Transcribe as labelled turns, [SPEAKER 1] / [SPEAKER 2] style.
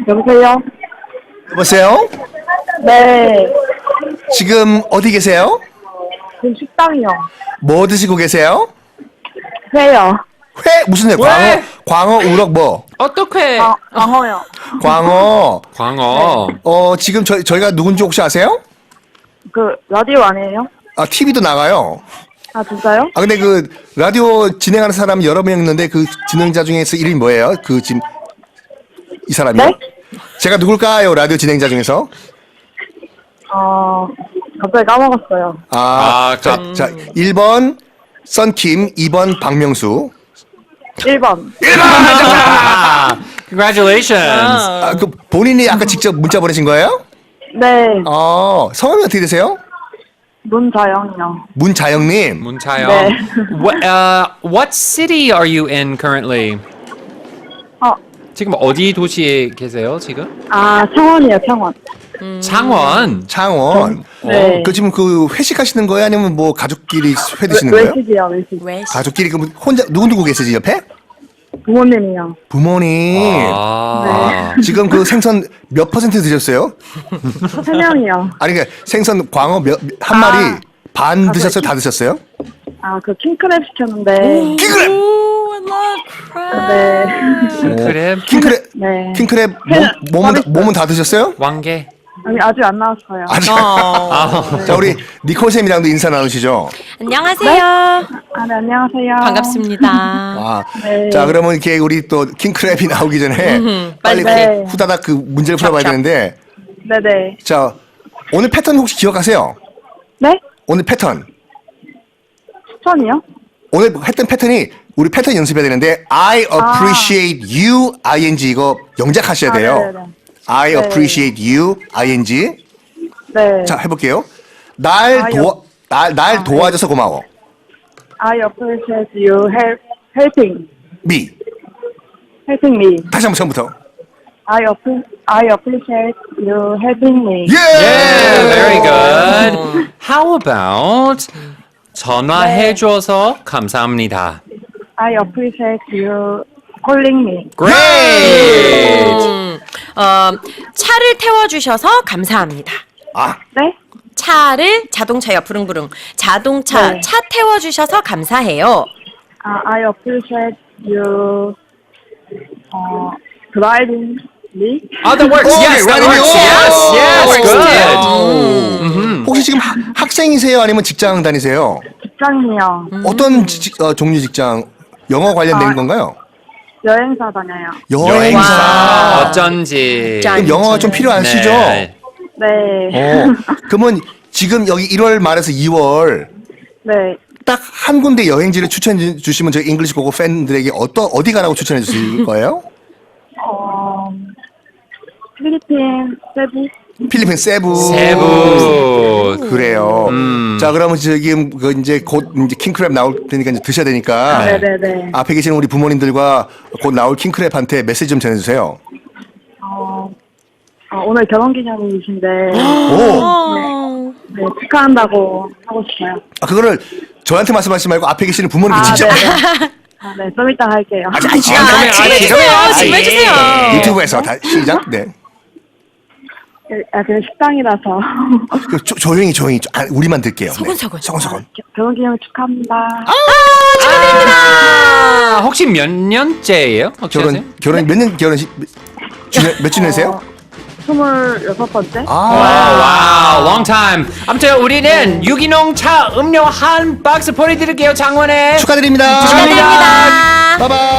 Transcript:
[SPEAKER 1] 여보세요?
[SPEAKER 2] 여보세요?
[SPEAKER 1] 네.
[SPEAKER 2] 지금 어디 계세요?
[SPEAKER 1] 지금 식당이요.
[SPEAKER 2] 뭐 드시고 계세요?
[SPEAKER 1] 회요.
[SPEAKER 2] 회? 무슨 회?
[SPEAKER 3] 왜?
[SPEAKER 2] 광어, 우럭 뭐?
[SPEAKER 3] 어떻게?
[SPEAKER 1] 광어요.
[SPEAKER 2] 광어.
[SPEAKER 3] 광어.
[SPEAKER 2] 지금 저희가 누군지 혹시 아세요?
[SPEAKER 1] 그, 라디오 아니에요?
[SPEAKER 2] 아, TV도 나가요.
[SPEAKER 1] 아, 진짜요?
[SPEAKER 2] 아, 근데 그 라디오 진행하는 사람 여러 명 있는데 그 진행자 중에서 이름이 뭐예요? 그 지금 이 사람이요?
[SPEAKER 1] 네?
[SPEAKER 2] 제가 누굴까요? 라디오 진행자 중에서?
[SPEAKER 1] 갑자기 까먹었어요.
[SPEAKER 2] 자, 1번 썬킴, 2번 박명수.
[SPEAKER 1] 1번.
[SPEAKER 3] Congratulations.
[SPEAKER 2] 그 본인이 아까 직접 문자 보내신 거예요?
[SPEAKER 1] 네.
[SPEAKER 2] 성함이 어떻게 되세요?
[SPEAKER 1] 문자영이요.
[SPEAKER 2] 문자영님.
[SPEAKER 3] 문차영.
[SPEAKER 1] 네.
[SPEAKER 3] What city are you in currently? 지금 어디 도시에 계세요, 지금?
[SPEAKER 1] 창원이요, 창원.
[SPEAKER 3] 창원.
[SPEAKER 2] 창원.
[SPEAKER 1] 네.
[SPEAKER 2] 그 지금 그 회식하시는 거예요? 아니면 뭐 가족끼리 회 드시는 거예요?
[SPEAKER 1] 외식이요, 외식.
[SPEAKER 2] 가족끼리 그럼 혼자 누구 계세요 옆에?
[SPEAKER 1] 부모님이요.
[SPEAKER 2] 부모님. 지금 그 생선 몇 퍼센트 드셨어요?
[SPEAKER 1] 3명이요.
[SPEAKER 2] 아니 그러니까 생선 광어 한 마리 반 드셨어요? 다 드셨어요?
[SPEAKER 1] 그 킹크랩 시켰는데.
[SPEAKER 2] 킹크랩.
[SPEAKER 1] 네.
[SPEAKER 3] 그래.
[SPEAKER 2] 킹크랩.
[SPEAKER 1] 네.
[SPEAKER 2] 킹크랩 몸은 다 드셨어요?
[SPEAKER 3] 왕개.
[SPEAKER 1] 아니, 아직 안 나왔어요.
[SPEAKER 2] 자 우리 니콜 쌤이랑도 인사 나누시죠.
[SPEAKER 4] 안녕하세요.
[SPEAKER 1] 네, 안녕하세요.
[SPEAKER 4] 반갑습니다.
[SPEAKER 1] 네.
[SPEAKER 2] 자 그러면 이렇게 우리 또 킹크랩이 나오기 전에 빨리
[SPEAKER 1] 네.
[SPEAKER 2] 후다닥 그 문제를 풀어봐야 되는데.
[SPEAKER 1] 네네.
[SPEAKER 2] 자 오늘 패턴 혹시 기억하세요?
[SPEAKER 1] 네?
[SPEAKER 2] 오늘 패턴.
[SPEAKER 1] 추천이요?
[SPEAKER 2] 오늘 했던 패턴이 우리 패턴 연습해야 되는데 I appreciate you ing 이거 영작하셔야 돼요.
[SPEAKER 1] 네네네.
[SPEAKER 2] I
[SPEAKER 1] 네.
[SPEAKER 2] appreciate you ing.
[SPEAKER 1] 네.
[SPEAKER 2] 자 해볼게요. 날 도와줘서 고마워.
[SPEAKER 1] I appreciate you helping me.
[SPEAKER 2] 다시 한번 처음부터.
[SPEAKER 1] I appreciate you helping me.
[SPEAKER 3] Yeah, very good. How about 전화해줘서 감사합니다.
[SPEAKER 1] I appreciate you calling me.
[SPEAKER 3] Great.
[SPEAKER 4] 차를 태워주셔서 감사합니다.
[SPEAKER 1] 네?
[SPEAKER 4] 차를 자동차요, 부릉부릉. 자동차,
[SPEAKER 1] 네.
[SPEAKER 4] 차 태워주셔서 감사해요.
[SPEAKER 1] I appreciate you driving me.
[SPEAKER 3] That works. Yes, that works. Yes, good.
[SPEAKER 2] 혹시 지금 학생이세요? 아니면 직장 다니세요?
[SPEAKER 1] 직장이요.
[SPEAKER 2] 어떤 종류 직장? 영어 관련된 건가요?
[SPEAKER 1] 여행사 다녀요.
[SPEAKER 2] 여행사.
[SPEAKER 3] 어쩐지.
[SPEAKER 2] 그럼 영어가 좀 필요하시죠?
[SPEAKER 3] 네.
[SPEAKER 1] 네.
[SPEAKER 2] 그러면 지금 여기 1월 말에서 2월
[SPEAKER 1] 네.
[SPEAKER 2] 딱 한 군데 여행지를 추천해 주시면 저희 잉글리시 고고 팬들에게 어디 가라고 추천해 주실 거예요?
[SPEAKER 1] 필리핀 세부.
[SPEAKER 2] 필리핀 세부.
[SPEAKER 3] 세부.
[SPEAKER 2] 그래요. 자, 그러면 지금 이제 곧 이제 킹크랩 나올 테니까 이제 드셔야 되니까.
[SPEAKER 1] 네네네.
[SPEAKER 2] 앞에 계시는 우리 부모님들과 곧 나올 킹크랩한테 메시지 좀 전해주세요.
[SPEAKER 1] 오늘 결혼기념일이신데
[SPEAKER 2] 오.
[SPEAKER 1] 네, 축하한다고 하고 싶어요.
[SPEAKER 2] 그거를 저한테 말씀하시지 말고 앞에 계시는 부모님께 직접.
[SPEAKER 1] 네, 좀 이따 할게요.
[SPEAKER 4] 지금 해주세요. 지금 해주세요.
[SPEAKER 2] 유튜브에서 다 시작. 네.
[SPEAKER 1] 그냥 식당이라서.
[SPEAKER 2] 조용히 우리만 들게요.
[SPEAKER 4] 소곤소곤.
[SPEAKER 2] 네. 소곤소곤.
[SPEAKER 1] 결혼기념일 축하합니다.
[SPEAKER 3] 혹시 몇 년째예요? 혹시 아세요?
[SPEAKER 2] 결혼 몇 년 몇 주년이세요?
[SPEAKER 1] 26번째?
[SPEAKER 3] 와우, long time. 아무튼 우리는 유기농 차 음료 한 박스 보내드릴게요, 장원에.
[SPEAKER 2] 축하드립니다.
[SPEAKER 4] 축하드립니다.
[SPEAKER 2] 바이바이.